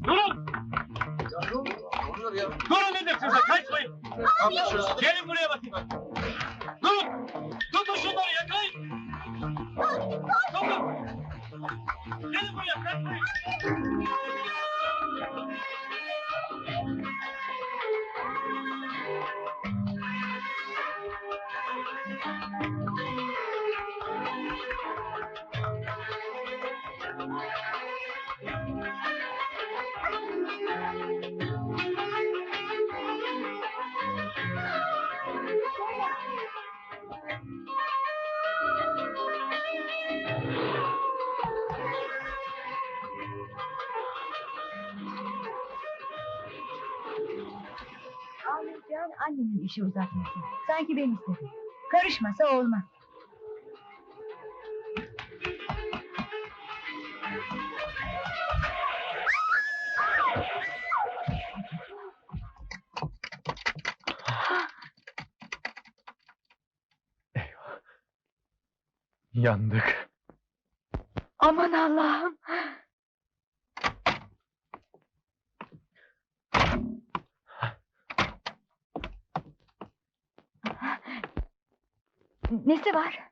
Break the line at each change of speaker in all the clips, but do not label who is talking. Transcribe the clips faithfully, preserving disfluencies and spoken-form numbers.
Durun! Durun dedim size, kaçmayın! Gelin buraya bakayım! Durun! Tutun şunları, yakalayın! Tutun! Gelin buraya, kaçmayın!
Ağlayacağın annenin işi uzatması. Sanki ben istedim. Karışmasa olmaz.
Eyvah! Yandık!
Aman Allah'ım! Nesi var?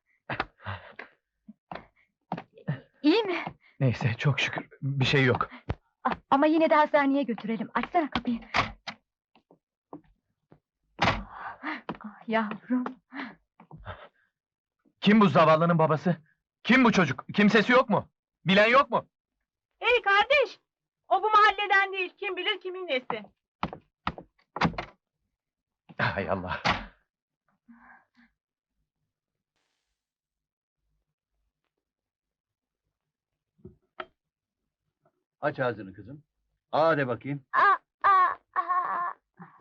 İyi mi?
Neyse, çok şükür, bir şey yok.
A- Ama yine de hastaneye götürelim. Açsana kapıyı. Ah yavrum.
Kim bu zavallının babası? Kim bu çocuk? Kimsesi yok mu? Bilen yok mu?
Hey kardeş! O bu mahalleden değil, kim bilir kimin nesi.
Hay Allah!
Aç ağzını kızım. Aa de bakayım.
Aa, aa, aa.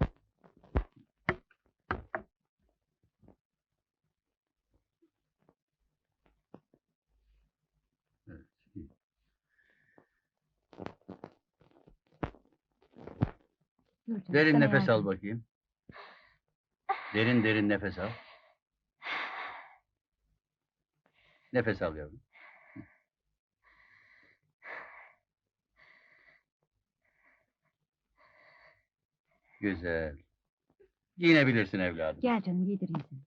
Evet, iyi.
Dur canım,
Derin
sana
nefes al
yardım.
bakayım. Derin derin nefes al. Nefes al yavrum. Güzel. Giyinebilirsin evladım.
Gel canım giydireyim seni.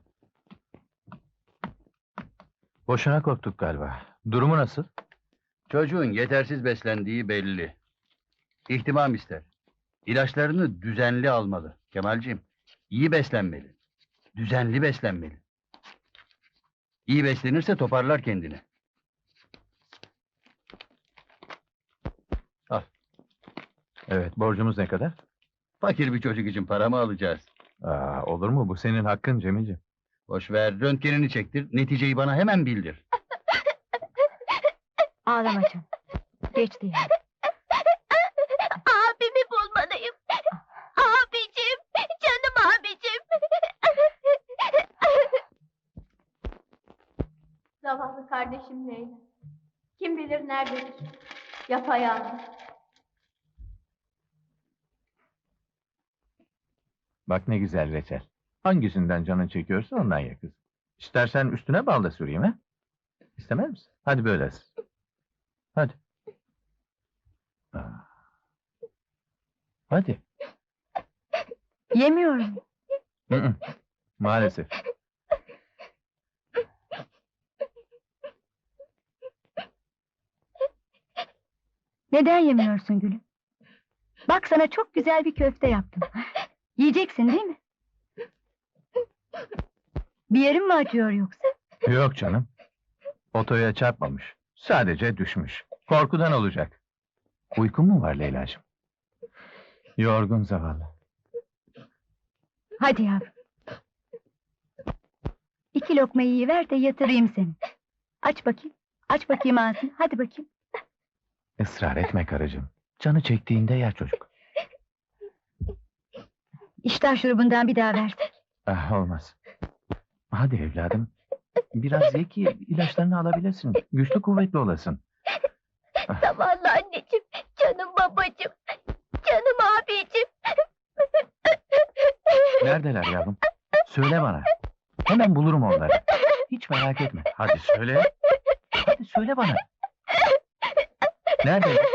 Boşuna korktuk galiba. Durumu nasıl?
Çocuğun yetersiz beslendiği belli. İhtimam ister. İlaçlarını düzenli almalı. Kemalciğim, iyi beslenmeli. Düzenli beslenmeli. İyi beslenirse toparlar kendini.
Evet, borcumuz ne kadar?
Fakir bir çocuk için para mı alacağız?
Aa, olur mu? Bu senin hakkın Cemilciğim.
Boş ver, röntgenini çektir, neticeyi bana hemen bildir.
Ağlama canım. Geçti yani.
Abimi bulmalıyım. Abicim, canım abicim. Zavallı kardeşim Leyla. Kim bilir nerededir? Yapayalnız.
Bak ne güzel reçel. Hangisinden canın çekiyorsa ondan ye kız. İstersen üstüne bal da süreyim ha? İstemez misin? Hadi böyle. Hadi. Aa. Hadi.
Yemiyorum.
Hı hı. Maalesef.
Neden yemiyorsun gülüm? Bak sana çok güzel bir köfte yaptım. Yiyeceksin değil mi? Bir yerin mi acıyor yoksa?
Yok canım. Otoya çarpmamış. Sadece düşmüş. Korkudan olacak. Uykun mu var Leyla'cığım? Yorgun zavallı.
Hadi yavrum. İki lokma yiyiver de yatırayım seni. Aç bakayım. Aç bakayım ağzını. Hadi bakayım.
Israr etme karıcığım. Canı çektiğinde yer çocuk.
İştah şurubundan bir daha versek.
Ah, olmaz. Hadi evladım. Biraz ye ki ilaçlarını alabilirsin. Güçlü kuvvetli olasın.
Zavallı anneciğim, canım babacığım, canım abicim.
Neredeler yavrum? Söyle bana. Hemen bulurum onları. Hiç merak etme. Hadi söyle. Hadi söyle bana. Nerede?